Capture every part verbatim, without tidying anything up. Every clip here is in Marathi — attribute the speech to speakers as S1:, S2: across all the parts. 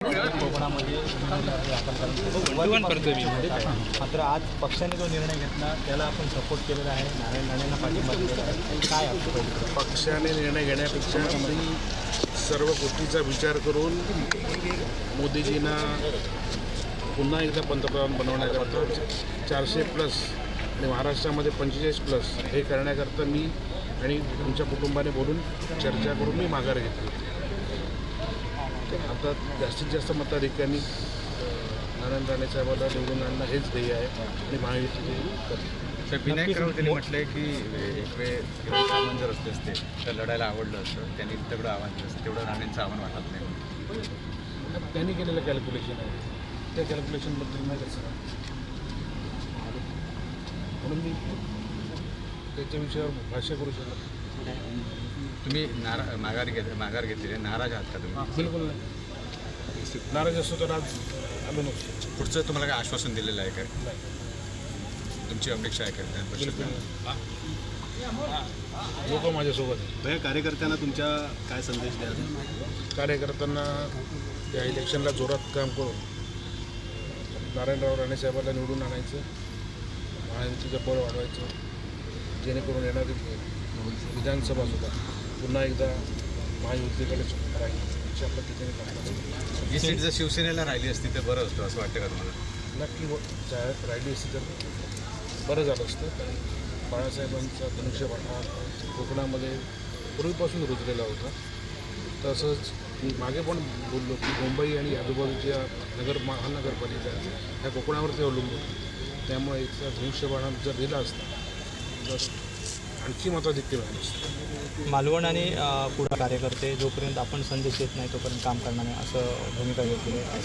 S1: कोकणामध्ये मात्र आज पक्षाने जो निर्णय घेतला त्याला आपण सपोर्ट केलेला आहे, नारायण राणेंना पाठिंबा दिलेला आहे. काय आपलं
S2: पक्षाने निर्णय घेण्यापेक्षा सर्व गोष्टीचा विचार करून मोदीजींना पुन्हा एकदा पंतप्रधान बनवण्याकरता चारशे प्लस आणि महाराष्ट्रामध्ये पंचेचाळीस प्लस हे करण्याकरता मी आणि तुमच्या कुटुंबाने बोलून चर्चा करून मी माघार घेतली. आता जास्तीत जास्त मताधिक्यांनी नारायण राणे साहेबांना निवडून आणणं हेच ध्येय आहे आणि महायुतीचे
S3: सर विनायक राऊत यांनी म्हटलं आहे की एक वेळ सामान जर असले असते तर लढायला आवडलं असतं, त्यांनी तेवढं आव्हान केलं असतं, तेवढं राणेंचं आव्हान वाटत नाही.
S2: त्यांनी केलेलं कॅल्क्युलेशन आहे, त्या कॅल्क्युलेशनबद्दल नाही कसं म्हणून मी त्याच्या विषयावर भाष्य करू शकतो.
S3: तुम्ही नारा माघार घेत माघार घेतलेली नाराज आहात का तुम्ही?
S2: बिलकुल नाही. नाराज असतो तर आज आलो नसतो.
S3: पुढचं तुम्हाला काय आश्वासन दिलेलं आहे काय? तुमची अपेक्षा आहे काय?
S2: लोक माझ्यासोबत आहेत.
S4: या कार्यकर्त्यांना तुमच्या काय संदेश द्याल?
S2: कार्यकर्त्यांना या इलेक्शनला जोरात काम करून नारायणराव राणे साहेबांना निवडून आणायचं, महायुतीचं बळ वाढवायचं, जेणेकरून येणारी विधानसभा सुद्धा पुन्हा एकदा महायुतीकडे राहील अशा पद्धतीने काम.
S3: ही सीट जर शिवसेनेला राहिली असती तर बरं असतं असं वाटतं का तुम्हाला?
S2: नक्की राहिली असती तर बरं झालं असतं. कारण बाळासाहेबांचा धनुष्यबाण हा कोकणामध्ये पूर्वीपासून रुजलेला होता. तसंच मी मागे पण बोललो की मुंबई आणि आजूबाजूच्या नगर महानगरपालिका ह्या कोकणावरती अवलंबून, त्यामुळे इथला धनुष्यबाण जर दिला असता तर आणखी मताधिक्य मिळालं असतं.
S1: मालवण आणि पुढे कार्यकर्ते जोपर्यंत आपण संदेश देत नाही तोपर्यंत काम करणार नाही असं भूमिका घेतली आहे.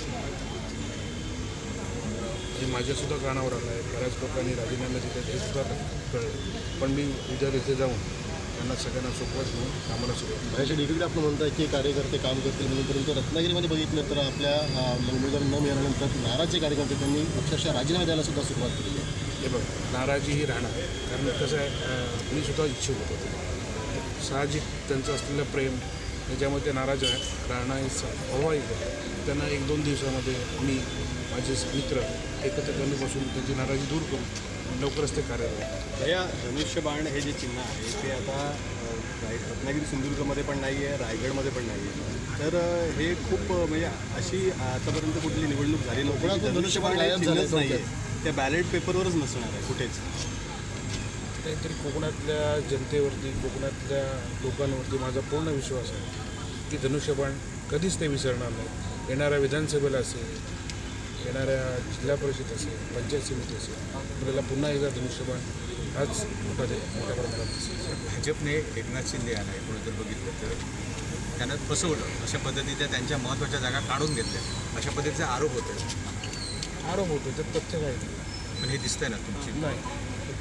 S2: हे माझ्यासुद्धा कानावर आलं आहे. बऱ्याच लोकांनी राजीनामे दिले हे सुद्धा कळलं, पण मी उद्या तिथे जाऊन त्यांना सगळ्यांना सोबत घेऊन कामाला सुरुवात.
S4: बाहेरच्या डिग्रीकडे आपण म्हणताय की कार्यकर्ते काम करतील म्हणून, परंतु रत्नागिरीमध्ये बघितलं तर आपल्या उमेदवार न मिळाल्यानंतर नाराजचे कार्यकर्ते त्यांनी अक्षरशः राजीनामे द्यायला सुद्धा सुरुवात केली आहे.
S2: हे बघ, नाराजी ही राहणार, कारण कसं आहे मी सुद्धा इच्छुक होतो. साहजिक त्यांचं असलेलं प्रेम त्याच्यामध्ये ते नाराज आहे राहणं स्वाभाविक आहे. त्यांना एक दोन दिवसामध्ये मी माझे मित्र एकत्र कमी बसून त्यांची नाराजी दूर करून लवकरच ते कार्यरत.
S4: या धनुष्यबाण हे जे चिन्ह आहे ते आता रत्नागिरी सिंधुदुर्गमध्ये पण नाही आहे, रायगडमध्ये पण नाही आहे. तर हे खूप म्हणजे अशी आतापर्यंत कुठली निवडणूक झाली नव्हती. धनुष्यबाण झालंच नाही आहे, त्या बॅलेट पेपरवरच नसणार आहे कुठेच.
S2: काहीतरी कोकणातल्या जनतेवरती, कोकणातल्या लोकांवरती माझा पूर्ण विश्वास आहे की धनुष्यबाण कधीच ते विसरणार नाही. येणाऱ्या विधानसभेला असेल, येणाऱ्या जिल्हा परिषद असेल, पंचायत समिती असेल, आपल्याला पुन्हा एकदा धनुष्यबाण हाच मोठा मोठ्या प्रमाणात दिसेल.
S3: भाजपने एकनाथ शिंदे यांना एकूण जर बघितलं तर त्यांना फसवलं, अशा पद्धतीच्या त्यांच्या महत्त्वाच्या जागा काढून घेतल्या, अशा पद्धतीचे आरोप होते.
S2: आरोप होतो तर तथ्य काही नाही.
S3: पण हे दिसतंय ना तुमची
S2: नाही,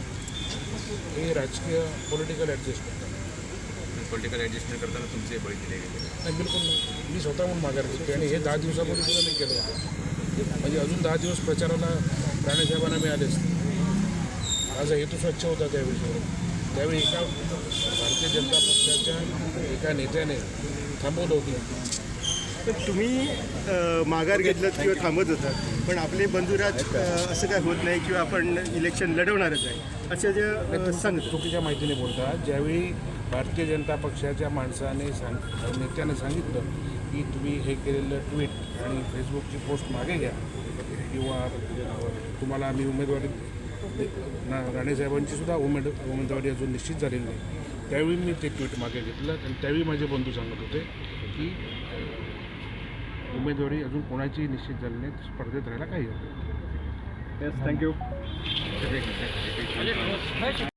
S2: हे राजकीय पॉलिटिकल ॲडजस्टमेंट आहे.
S3: पॉलिटिकल ॲडजस्टमेंट करताना तुमचे बळी दिले गेले.
S2: नाही, बिलकुल नाही. मी स्वतःहून माघार घेतो आणि हे दहा दिवसापूर्वी सुद्धा मी केलं होतं. म्हणजे अजून दहा दिवस प्रचाराला राणेसाहेबांना मिळाले असते. माझा हेतू स्वच्छ होता त्या विषयावर. त्यावेळी एका भारतीय जनता पक्षाच्या एका नेत्याने थांबवलं होतं.
S4: तर तुम्ही माघार घेतलं किंवा थांबत होतात, पण आपले बंधुराज असं काय होत नाही किंवा आपण इलेक्शन लढवणारच आहे असं जे सांगत
S2: चुकीच्या माहितीने बोलतात. ज्यावेळी भारतीय जनता पक्षाच्या माणसाने सांग नेत्याने सांगितलं की तुम्ही हे केलेलं ट्विट आणि फेसबुकची पोस्ट मागे घ्या किंवा तुम्हाला आम्ही उमेदवारी ना राणेसाहेबांची सुद्धा उमेद उमेदवारी अजून निश्चित झालेली नाही, त्यावेळी मी ते ट्विट मागे घेतलं. आणि त्यावेळी माझे बंधू सांगत होते की उमेदवारी अजून कोणाची निश्चित झाली नाही, स्पर्धेत राहायला काही होतं.
S4: Yes, thank you.